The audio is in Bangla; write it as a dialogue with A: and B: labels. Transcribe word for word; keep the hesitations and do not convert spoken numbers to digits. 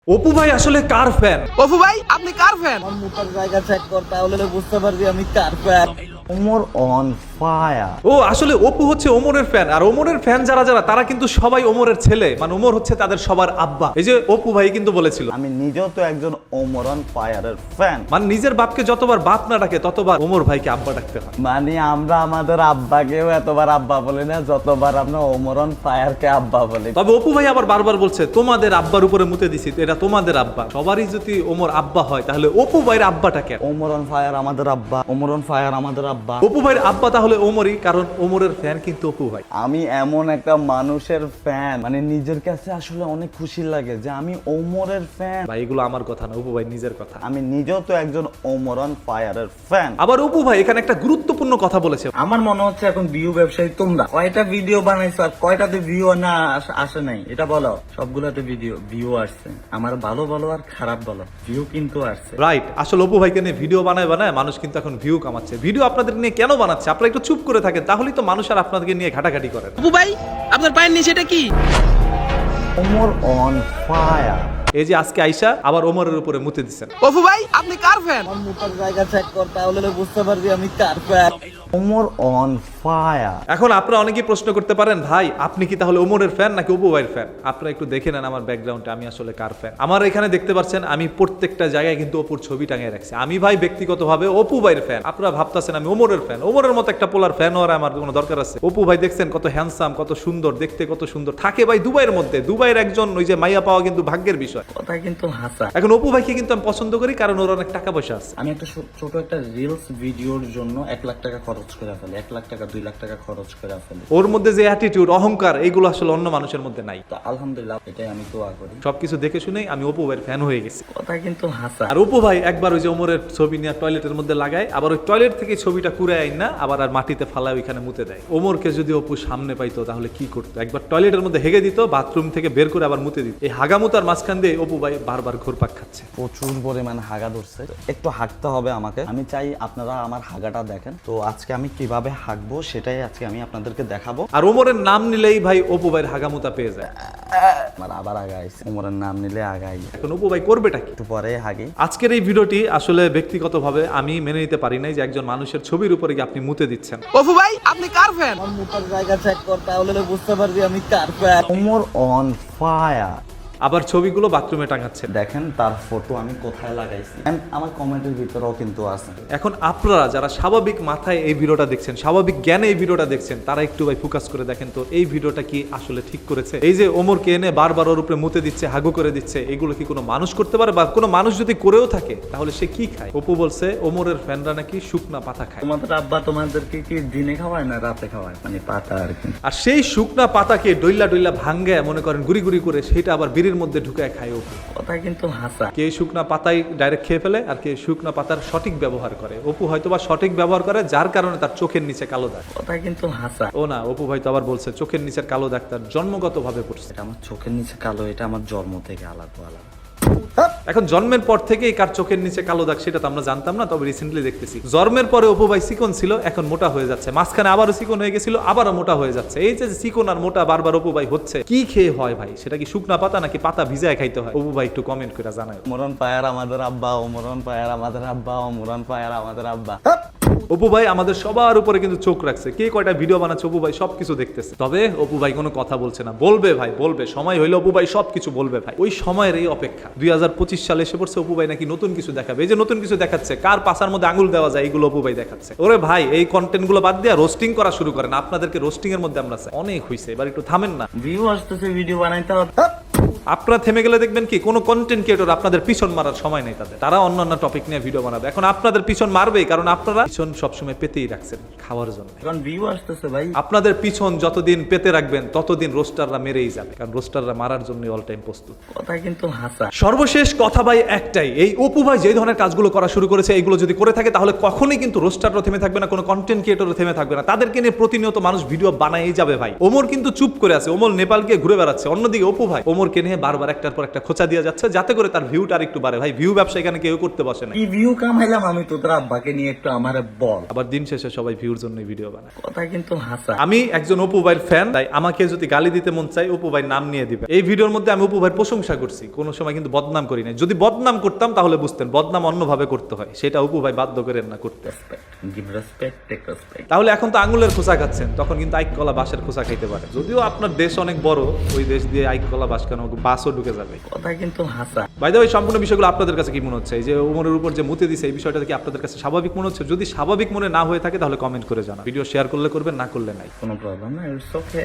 A: অপু ভাই আসলে কার ফ্যান?
B: অপু ভাই আপনি কার ফ্যান?
C: আমার মুখের জায়গা চেক কর, তাহলে বুঝতে পারবি আমি কার ফ্যান। Omar on fire.
A: ও আসলে অপু হচ্ছে ওমরের ফ্যান, আর ওমরের ফ্যান যারা যারা তারা কিন্তু সবাই ওমরের ছেলে, মানে ওমর হচ্ছে তাদের সবার আব্বা। এই যে অপু ভাই কিন্তু বলেছিল
C: আমি নিজেও তো একজন ওমর অন ফায়ারের ফ্যান।
A: মানে নিজের বাপকে যতবার বাপ না ডাকে ততবার ওমর ভাইকে আব্বা ডাকতে হয়।
C: মানে আমরা আমাদের আব্বাকেও এতবার আব্বা বলি না যতবার আমরা ওমর অন ফায়ারকে আব্বা বলি।
A: তবে অপু ভাই আবার বারবার বলছে তোমাদের আব্বার উপরে মুতে দিছি, তো এটা তোমাদের আব্বা। সবারই যদি ওমর আব্বা হয় তাহলে অপু ভাইয়ের আব্বাটা কেন?
C: ওমর অন ফায়ার আমাদের আব্বা, ওমর অন ফায়ার আমাদের আব্বা।
A: অপু ভাইয়ের আব্বা তাহলে ওমরই, কারণ ওমরের ফ্যান কিন্তু অপু ভাই।
C: আমি এমন একটা মানুষের ফ্যান, মানে নিজের কাছে আসলে অনেক খুশি লাগে যে আমি ওমরের ফ্যান।
A: ভাই এগুলো আমার কথা না, অপু ভাই নিজের কথা।
C: আমি নিজেও তো একজন ওমর অন ফায়ারের ফ্যান।
A: আবার অপু ভাই এখানে একটা গুরুত্বপূর্ণ কথা বলেছে।
D: আমার মনে হচ্ছে এখন ভিউ ব্যবসায়ী তোমরা কয়টা ভিডিও বানাইছো আর কয়টাতে ভিউ না আস- আসে নাই এটা বলো। সবগুলাতে ভিডিও ভিউ আসছে, আমার ভালো বলো আর খারাপ বলো, ভিউ কিন্তু আসছে।
A: রাইট, আসলে অপু ভাইকে নিয়ে ভিডিও বানায় বানায় মানুষ কিন্তু এখন ভিউ কামাচ্ছে। ভিডিও আপনাদের নিয়ে কেন বানাচ্ছে? আপনারা একটু চুপ করে থাকেন, তাহলেই তো মানুষ আর আপনাদেরকে নিয়ে ঘাটাঘাটি করে না।
B: অপু ভাই আপনার পায়ের নিচে এটা কি?
C: Omar on fire.
A: এই যে আজকে আইসা আবার ওমরের উপরে মুতে দিচ্ছেন।
B: অপু ভাই আপনি কার ফ্যান?
C: আমার মুখের জায়গা চেক কর, তাহলে বুঝতে পারবি আমি কার ফ্যান। Omar on fire.
A: এখন আপনারা অনেকেই প্রশ্ন করতে পারেন, ভাই আপনি কি তাহলে ওমরের ফ্যান নাকি অপু ভাইয়ের ফ্যান? আপনারা একটু দেখে নেন আমার ব্যাকগ্রাউন্ডে আমি আসলে কার ফ্যান। আমার এখানে দেখতে পাচ্ছেন আমি প্রত্যেকটা জায়গায় কিন্তু অপুর ছবি টাঙিয়ে রাখছি। আমি ভাই ব্যক্তিগতভাবে অপু ভাইয়ের ফ্যান। আপনারা ভাবতেছেন আমি ওমরের ফ্যান। ওমরের মতো একটা পোলার ফ্যান হওয়ার আমার কোনো দরকার আছে? অপু ভাই দেখছেন কত হ্যান্ডসাম, কত সুন্দর দেখতে, কত সুন্দর থাকে ভাই দুবাইয়ের মধ্যে। দুবাইয়ের একজন ওই যে মাইয়া পাওয়া কিন্তু ভাগ্যের বিষয়।
D: কথা কিন্তু হাসা।
A: এখন অপু ভাইকে কিন্তু আমি পছন্দ করি কারণ ওর অনেক টাকা পয়সা আছে।
D: আমি একটা ছো- ছোট একটা রিলস ভিডিওর জন্য এক লাখ টাকা খরচ করে ফেলি, এক লাখ টাকা দুই লাখ টাকা খরচ করে ফেলি।
A: ওর মধ্যে যে অ্যাটিটিউড, অহংকার, এইগুলো আসলে অন্য মানুষের মধ্যে নাই।
D: তো আলহামদুলিল্লাহ এটাই আমি দোয়া করি।
A: সবকিছু দেখে শুনেই আমি অপু ভাইয়ের ফ্যান হয়ে গেছি।
D: কথা কিন্তু হাসা।
A: আর অপু ভাই একবার ওই যে ওমরের ছবি নিয়ে টয়লেটের মধ্যে লাগায়, আবার ওই টয়লেট থেকে ছবিটা কুড়ে আইন না আবার আর মাটিতে ফালায় ওইখানে মুতে দেয়। ওমরকে যদি অপু সামনে পাইতো তাহলে কি করতো? একবার টয়লেটের মধ্যে হেগে দিত, বাথরুম থেকে বের করে আবার মুতে দিত। এই হাগামুতার মাঝখান দিয়ে অপু ভাই বারবার ঘুরপাক খাচ্ছে।
C: প্রচুর পরিমাণে হাগা ধরছে, একটু হাঁকতে হবে আমাকে। আমি চাই আপনারা আমার হাগাটা দেখেন। তো আজকে আমি কিভাবে হাঁকবো সেটাই আজকে আমি আপনাদেরকে দেখাবো।
A: আর ওমরের নাম নিলেই ভাই অপু ভাইয়ের হাগামুতা পেয়ে যায়।
C: আমার আবার আগাইছে, ওমরের নাম নিলে আগাই।
A: এখন অপু ভাই করবেটা কি?
C: একটু পরে হাগি।
A: আজকের এই ভিডিওটি আসলে ব্যক্তিগতভাবে আমি মেনে নিতে পারি নাই যে একজন মানুষের ছবির উপরে কি আপনি মুতে দিচ্ছেন।
B: অপু ভাই আপনি কার ফ্যান?
C: আমার মুখের জায়গা চেক কর, তাহলে বুঝতে পারবি আমি কার ফ্যান। Omar on fire.
A: আবার ছবিগুলো বাথরুমে টাঙাচ্ছেন।
C: দেখেন তার ফটো আমি কোথায় লাগাইছি, And আমার কমেন্টের ভিতরেও কিন্তু আছে।
A: এখন আপনারা যারা স্বাভাবিক মাথায় এই ভিডিওটা দেখছেন, স্বাভাবিক জ্ঞানে এই ভিডিওটা দেখছেন, তারা একটু ভাই ফোকাস করে দেখেন তো এই ভিডিওটা কি আসলে ঠিক করেছে? এই যে ওমরকে এনে বারবার ওর উপরে মুতে দিচ্ছে, হাগু করে দিচ্ছে, এগুলো কি কোনো মানুষ করতে পারে? বা কোনো মানুষ যদি করেও থাকে তাহলে সে কি খায়? অপু বলছে ওমরের ফ্যানরা নাকি শুকনা পাতা খায়।
D: তোমাদের আব্বা তোমাদেরকে কি দিনে খাওয়ায় না রাতে খাওয়ায়? মানে পাতা আর কি।
A: আর সেই শুকনা পাতাকে ডইলা ডইলা ভাঙ্গে মনে করেন গুড়ি গুড়ি করে সেটা আবার বিড়ির মধ্যে ঢুকায় খায় অপু।
D: কথা কিন্তু হাসা।
A: কে শুকনা পাতাই ডাইরেক্ট খেয়ে ফেলে আর কে শুকনা পাতার সঠিক ব্যবহার করে। অপু হয়তো বা সঠিক ব্যবহার করে যার কারণে তার চোখের নিচে কালো দাগ।
D: কথা কিন্তু হাসা।
A: ও না, অপু ভাই তো আবার বলছে চোখের নিচের কালো দাগ তার জন্মগত ভাবে পড়ছে।
D: এটা আমার চোখের নিচে কালো, এটা আমার জন্ম থেকে আলাদা আলাদা।
A: এখন জন্মের পর থেকেই কার চোখের নিচে কালো দাগ সেটা তো আমরা জানতাম না, তবে রিসেন্টলি দেখতেছি জন্মের পরে অপু ভাই চিকন ছিল, এখন মোটা হয়ে যাচ্ছে। মাঝখানে আবারও চিকন হয়ে গেছিল, আবারও মোটা হয়ে যাচ্ছে। এই যে চিকন আর মোটা বারবার অপু ভাই হচ্ছে, কি খেয়ে হয় ভাই? সেটা কি শুকনা পাতা নাকি পাতা ভিজায় খাইতে হয়? অপু ভাই একটু কমেন্ট করে জানায়।
C: ওমরন ফায়ার আমাদের আব্বা, ওমরন ফায়ার আমাদের আব্বা, ওমরন ফায়ার আমাদের আব্বা।
A: অপু ভাই আমাদের সবার উপরে কিন্তু চোখ রাখছে, কে কয়টা ভিডিও বানাচ্ছে অপু ভাই সবকিছু দেখতেছে। তবে অপু ভাই কোনো কথা বলছে না। বলবে ভাই, বলবে, সময় হইলে অপু ভাই সবকিছু বলবে ভাই। ওই সময়ের এই অপেক্ষা। দুই হাজার পঁচিশ সালে এসে পড়ছে, অপু ভাই নাকি নতুন কিছু দেখাবে। এই যে নতুন কিছু দেখাচ্ছে, কার পাশার মধ্যে আঙুল দেওয়া যায় এগুলো অপু ভাই দেখাচ্ছে। ওরে ভাই এই কন্টেন্ট গুলো বাদ দিয়ে রোস্টিং করা শুরু করেন। আপনাদেরকে রোস্টিং এর মধ্যে আমরা চাই। অনেক হইছে, এবার একটু থামেন না।
D: ভিউ আসতেছে, ভিডিও বানাইতে হবে।
A: আপনারা থেমে গেলে দেখবেন কি কোনো কন্টেন্ট ক্রিয়েটর আপনাদের পিছন মারার সময় নেই তাদের। তারা অন্য অন্য টপিক নিয়ে ভিডিও বানাবে। এখন আপনাদের পিছন মারবেই, কারণ আপনারা পিছন সবসময় পেতেই রাখছেন খাওয়ার জন্য।
D: এখন ভিউ আসতেছে ভাই।
A: আপনাদের পিছন যতদিন পেতে রাখবেন ততদিন রোস্টাররা মেরেই যাবে, কারণ রোস্টাররা মারার জন্য অল টাইম প্রস্তুত।
D: কথা কিন্তু হাসা।
A: সর্বশেষ কথা ভাই একটাই, এই অপু ভাই যে ধরনের কাজগুলো করা শুরু করেছে এইগুলো যদি করে থাকে তাহলে কখনোই কিন্তু রোস্টাররা থেমে থাকবে না, কোনো কন্টেন্ট ক্রিয়েটরও থেমে থাকবে না। তাদেরকে নিয়ে প্রতিনিয়ত মানুষ ভিডিও বানাই যাবে ভাই। ওমর কিন্তু চুপ করে আছে, ওমর নেপাল গিয়ে ঘুরে বেড়াচ্ছে। অন্যদিকে অপু ভাই ওমরকে নিয়ে নিয়ে বারবার একটার পর একটা খোঁচা দিয়ে যাচ্ছে যাতে করে তার ভিউটা আর একটু বাড়ে। ভাই ভিউ ব্যবসা এখানে কেউ করতে বসে না।
D: কি ভিউ কামাইলাম আমি তোদের আব্বাকে নিয়ে একটু আমার বল।
A: আবার দিন শেষে সবাই ভিউর জন্য ভিডিও বানায়।
D: কথা কিন্তু হাসা।
A: আমি একজন অপু ভাইয়ের ফ্যান, তাই আমাকে যদি গালি দিতে মন চাই অপু ভাই নাম নিয়ে দিবে। এই ভিডিওর মধ্যে আমি অপু ভাইয়ের প্রশংসা করছি, কোনো সময় কিন্তু বদনাম করি নাই। যদি বদনাম করতাম তাহলে বুঝতেন বদনাম অন্যভাবে করতে হয়, সেটা অপু ভাই বাধ্য করেন না করতে।
D: Give respect, take respect.
A: তাহলে এখন তো আঙুলের খোসা খাচ্ছেন, তখন কিন্তু আইক কলা বাঁশের খোসা খাইতে পারে। যদিও আপনার দেশ অনেক বড়, ওই দেশ দিয়ে আইক কলা বাঁশ কেন বাসও ঢুকে যাবে।
D: কথা কিন্তু হাসা।
A: বাই দ্য ওয়ে, সম্পূর্ণ বিষয়গুলো আপনাদের কাছে কি মনে হচ্ছে? এই যে ওমরের উপর যে মুতে দিছে এই বিষয়টা কি আপনাদের কাছে স্বাভাবিক মনে হচ্ছে? যদি স্বাভাবিক মনে না হয়ে থাকে তাহলে কমেন্ট করে জানান। ভিডিও শেয়ার করলে করবেন, না করলে নাই।
D: কোনো প্রবলেম না, ইটস ওকে।